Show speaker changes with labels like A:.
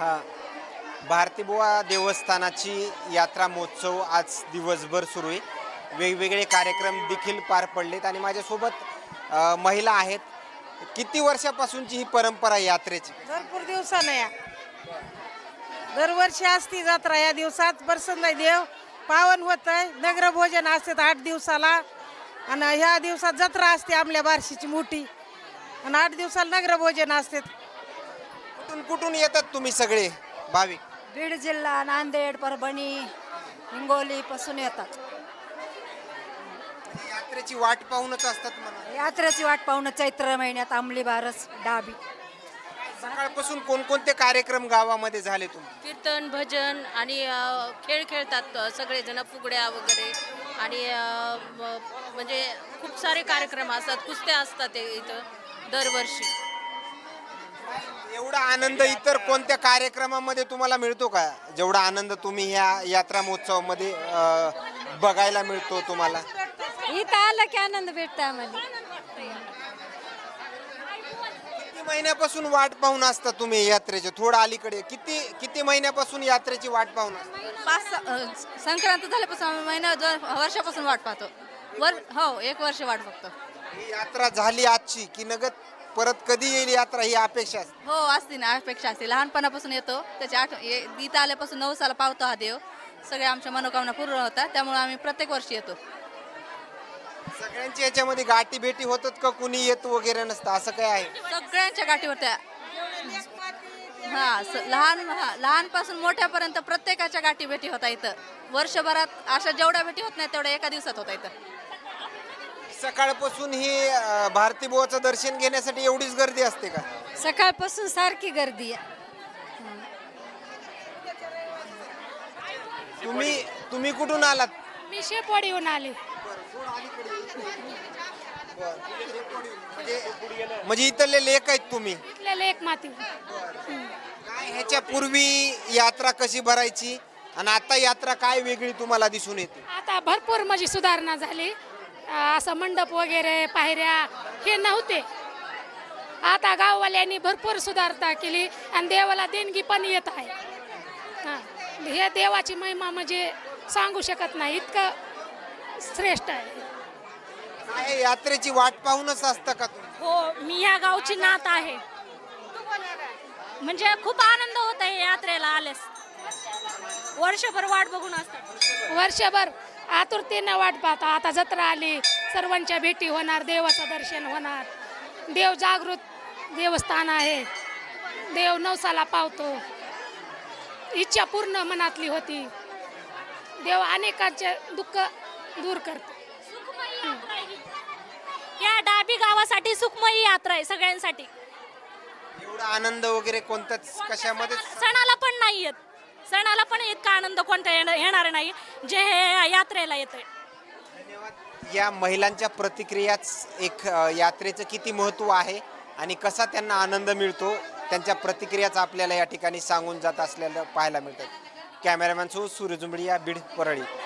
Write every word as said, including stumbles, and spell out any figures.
A: हा भारतीबुवा देवस्थानाची यात्रा महोत्सव आज दिवसभर सुरू आहे. वेगवेगळे कार्यक्रम देखील पार पडलेत आणि माझ्यासोबत अ, महिला आहेत. किती वर्षापासूनची ही परंपरा आहे यात्रेची?
B: भरपूर दिवसानं या दरवर्षी असती जत्रा. या दिवसात प्रसन्न देव पावन होत आहे. नगर भोजन असतात आठ दिवसाला आणि ह्या दिवसात जत्रा असते आपल्या बार्शीची मोठी आणि आठ दिवसाला नगर भोजन असतात.
A: कुठून कुठून येतात तुम्ही सगळे भाविक?
C: बीड जिल्हा, नांदेड, परभणी, हिंगोली पासून येतात.
A: यात्रेची वाट पाहूनच असतात म्हणा.
C: यात्रेची वाट पाहून चैत्र महिन्यात अंमली बारस डाबी.
A: सकाळपासून कोणकोणते कार्यक्रम गावामध्ये झाले तुमचे?
D: कीर्तन भजन आणि अ, खेळ खेळतात अ, सगळेजण फुगड्या वगैरे आणि अ, म- म्हणजे खूप सारे कार्यक्रम असतात. कुस्त्या असतात ते इथं दरवर्षी.
A: एवढा आनंद इतर कोणत्या कार्यक्रमामध्ये तुम्हाला मिळतो का? जेवढा आनंद तुम्ही ह्या यात्रा महोत्सवामध्ये अ, बघायला मिळतो तुम्हाला?
C: इथं आलं की आनंद भेटतो आम्हाला.
A: किती महिन्यापासून वाट पाहून असता तुम्ही यात्रेचे? थोडं अलीकडे किती किती महिन्यापासून यात्रेची वाट पाहून असता?
D: पाच अ, संक्रांत झाल्यापासून आम्ही महिना दोन वर्षापासून वाट पाहतो. वर हो एक वर्ष वाट बघतो.
A: ही यात्रा झाली आजची की नगद परत कधी येईल यात्रा ही अपेक्षा असते?
D: हो असते ना, अपेक्षा असते. लहानपणापासून येतो त्याची आठ ये- इथं आल्यापासून नऊ साला पावतो हा देव. सगळ्या आमच्या मनोकामना पूर्ण होतात त्यामुळे आम्ही प्रत्येक वर्षी येतो.
A: सगळ्यांची याच्यामध्ये गाठी भेटी होतात का? कुणी येत वगैरे नसतं असं काय आहे?
D: सगळ्यांच्या गाठीवर त्या हा स- लहान हा, लहानपासून मोठ्यापर्यंत प्रत्येकाच्या गाठी भेटी होता इथं. वर्षभरात अशा जेवढ्या भेटी होत नाही तेवढ्या एका दिवसात होता इथं.
A: सकाळपासून ही अ, भारतीबुवाचं दर्शन घेण्यासाठी एवढीच गर्दी असते का?
C: सकाळपासून सारखी गर्दी आहे.
A: तुम्ही तुम्ही कुठून आलात?
B: मी शेपवाडीहून आले.
A: म्हणजे म्हणजे इथले लेख आहेत तुम्ही?
B: इथल्या लेक माती.
A: काय ह्याच्या पूर्वी यात्रा कशी भरायची आणि आता यात्रा काय वेगळी तुम्हाला दिसून येते?
B: आता भरपूर म्हणजे सुधारणा झाली. अं, असं मंडप वगैरे पायऱ्या हे नव्हते. आता गाववाल्यांनी भरपूर सुधारणा केली आणि देवाला देणगी पण येत आहे. हां, हे देवाची महिमा म्हणजे सांगू शकत नाही, इतकं श्रेष्ठ आहे.
A: काय यात्रेची वाट पाहूनच असतं का तुम्ही?
D: हो मी या गावची नात आहे. म्हणजे खूप आनंद होत आहे यात्रेला आल्यास. वर्षभर वाट बघून असतात.
B: वर्षभर आतुरतेनं वाट पाहता. आता जत्रा आली, सर्वांच्या भेटी होणार, देवाचं दर्शन होणार. देव जागृत देवस्थान आहे. देव नवसाला पावतो. इच्छा पूर्ण मनातली होती. देव अनेकांचे दुःख दूर करतो.
D: या डाबी गावासाठी सुखमयी यात्रा आहे सगळ्यांसाठी.
A: एवढा आनंद वगैरे कोणताच कशामध्ये?
D: सणाला पण नाही येत. सणाला पण इतका आनंद कोणता येण- येणार नाही जे हे यात्रेला येतंय.
A: धन्यवाद. या महिलांच्या प्रतिक्रियाच एक अ, यात्रेचं किती महत्त्व आहे आणि कसा त्यांना आनंद मिळतो त्यांच्या प्रतिक्रियाच आपल्याला या ठिकाणी सांगून जात असलेलं पाहायला मिळतात. कॅमेरामॅन सो सूर्य जुंबडिया, बीड, परळी.